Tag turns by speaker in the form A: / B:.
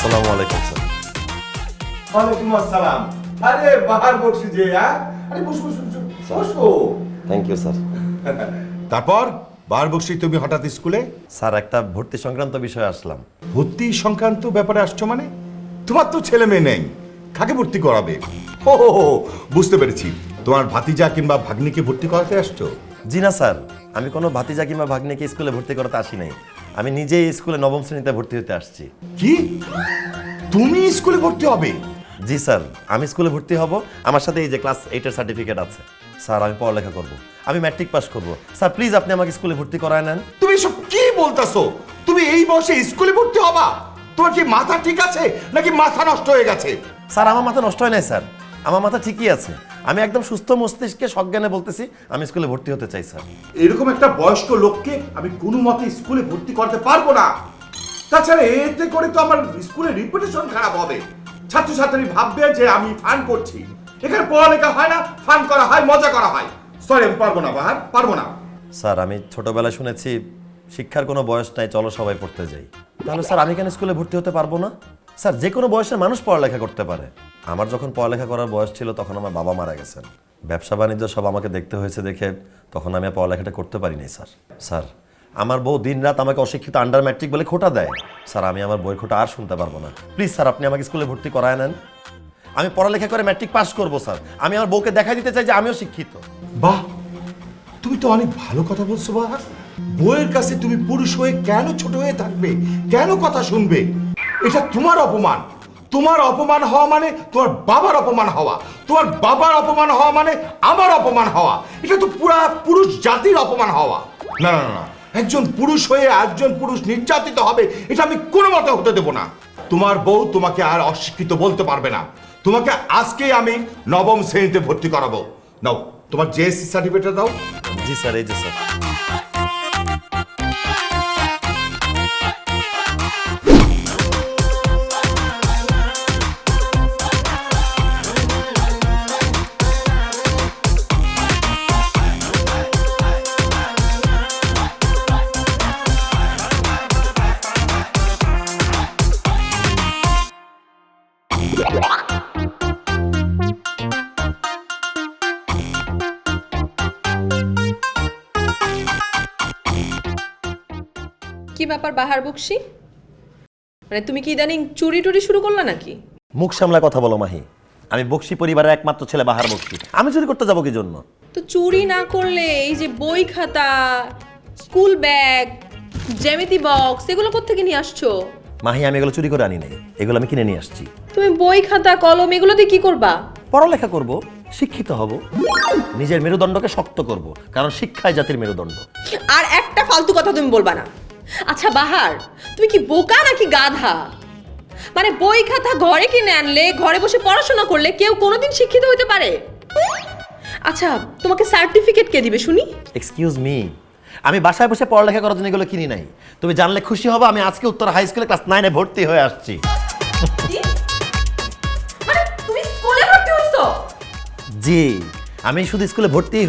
A: আসসালামু আলাইকুম স্যার।
B: ওয়ালাইকুম আসসালাম। আরে বাহার বসি যে আরে বসো বসো বসো।
A: Thank you sir.
B: তারপর বাহার বসি তুমি হঠাৎ স্কুলে?
A: স্যার একটা ভর্তি সংক্রান্ত বিষয়ে আসলাম।
B: ভর্তি সংক্রান্ত ব্যাপারে আসছো মানে? তোমার তো ছেলে মেয়ে নেই, কাকে ভর্তি করাবে? ও বুঝতে পেরেছি, তোমার ভাতিজা কিংবা ভাগ্নিকে ভর্তি করাতে আসছো?
A: জি না স্যার, আমি কোনো ভাতিজা কিংবা ভাগ্নিকে স্কুলে ভর্তি করতে আসি নাই। আমি নিজেই স্কুলে নবম শ্রেণীতে ভর্তি হতে আসছি।
B: কি তুমি স্কুলে ভর্তি হবে?
A: জি স্যার, আমি স্কুলে ভর্তি হব। আমার সাথে এই যে ক্লাস 8-এর সার্টিফিকেট আছে। স্যার আমি পড়ালেখা করব, আমি ম্যাট্রিক পাস করব। স্যার প্লিজ আপনি আমাকে স্কুলে ভর্তি করায় নেন।
B: তুমি সব কি বলতাছো? তুমি এই বয়সে স্কুলে ভর্তি হবা? তোমার কি মাথা ঠিক আছে নাকি মাথা নষ্ট হয়ে গেছে?
A: স্যার আমার মাথা নষ্ট হয় নাই স্যার, আমার মাথা ঠিকই আছে। আমি একদম সুস্থ মস্তিষ্কে সজ্ঞানে বলতেছি আমি স্কুলে ভর্তি হতে চাই স্যার।
B: এরকম একটা বয়স্ক লোককে আমি কোনো মতে স্কুলে ভর্তি করতে পারবো না। তাছাড়া এতে করে তো আমার স্কুলের রিপুটেশন খারাপ হবে। ছাত্রছাত্রী ভাববে যে আমি ফান করছি। এখানে পড়ালেখা হয় না, ফান করা হয়, মজা করা হয়। সরি, আমি পারবো না বাহার, পারবো না।
A: স্যার আমি ছোটবেলায় শুনেছি শিক্ষার কোনো বয়স নাই, চলো সবাই পড়তে যাই। তাহলে স্যার আমি কেন স্কুলে ভর্তি হতে পারবো না? স্যার যে কোনো বয়সের মানুষ পড়ালেখা করতে পারে। আমার যখন পড়ালেখা করার বয়স ছিল তখন আমার বাবা মারা গেছেন। ব্যবসা বাণিজ্য সব আমাকে দেখতে হয়েছে দেখে তখন আমি আর পড়ালেখাটা করতে পারিনি স্যার। স্যার আমার বউ দিনরাত আমাকে অশিক্ষিত আন্ডার ম্যাট্রিক বলে খোটা দেয়। স্যার আমি আমার বই খোটা আর শুনতে পারবো না। প্লিজ স্যার আপনি আমাকে স্কুলে ভর্তি করায় নেন। আমি পড়ালেখা করে ম্যাট্রিক পাস করবো স্যার। আমি আমার বউকে দেখাই দিতে চাই যে আমিও শিক্ষিত।
B: বাহ, তুমি তো অনেক ভালো কথা বলছো বাহার। বইয়ের কাছে তুমি পুরুষ হয়ে কেন ছোট হয়ে থাকবে? কেন কথা শুনবে? এটা তোমার অপমান। তোমার অপমান হওয়া মানে তোমার বাবার অপমান হওয়া। তোমার বাবার অপমান হওয়া মানে আমার অপমান হওয়া। এটা তো পুরা পুরুষ জাতির অপমান হওয়া। না না না, একজন পুরুষ হয়ে একজন পুরুষ নির্যাতিত হবে, এটা আমি কোনো মতে হতে দেব না। তোমার বউ তোমাকে আর অশিক্ষিত বলতে পারবে না। তোমাকে আজকেই আমি নবম শ্রেণীতে ভর্তি করাবো। নাও তোমার জেএসসি সার্টিফিকেট দাও।
A: জি স্যার, এই যে স্যার।
C: কি ব্যাপার বাহার বকশি? মানে তুমি কি ইদানিং চুরি টুরি শুরু করলা নাকি?
A: মুখ সামলায় কথা বলো মাহি। আমি বকশি পরিবারের একমাত্র ছেলে বাহার বকশি। আমি চুরি করতে যাবো কি জন্য?
C: তো চুরি না করলে এই যে বই খাতা, স্কুল ব্যাগ, জ্যামিতি বক্স এগুলো কোত্থেকে নিয়ে আসছো?
A: মাহি আমি এগুলো চুরি করে আনি নাই, এগুলো আমি কিনে নিয়ে আসছি।
C: তুমি বই খাতা কলম এগুলো দিয়ে কি করবা?
A: পড়ালেখা করব, শিক্ষিত হব, নিজের মেরুদণ্ডকে শক্ত করব, কারণ শিক্ষাই জাতির মেরুদণ্ড।
C: আর একটা ফালতু কথা তুমি বলবা না। আচ্ছা বাহার, তুমি কি বোকা নাকি গাধা? মানে বই খাতা ঘরে কিনে আনলে, ঘরে বসে পড়াশোনা করলে কেউ কোনোদিন শিক্ষিত হতে পারে? আচ্ছা তোমাকে সার্টিফিকেট কে দিবে শুনি?
A: এক্সকিউজ মি, আমি বাসায় বসে পড়ালেখা করার জন্য এগুলো কিনি নাই। তুমি জানলে খুশি হবে আমি আজকে উত্তর হাই স্কুলে ক্লাস 9-এ ভর্তি হয়ে আসছি।
C: মানে তুমি স্কুলে ভর্তি হইছো?
A: জি, আমি শুধু স্কুলে ভর্তি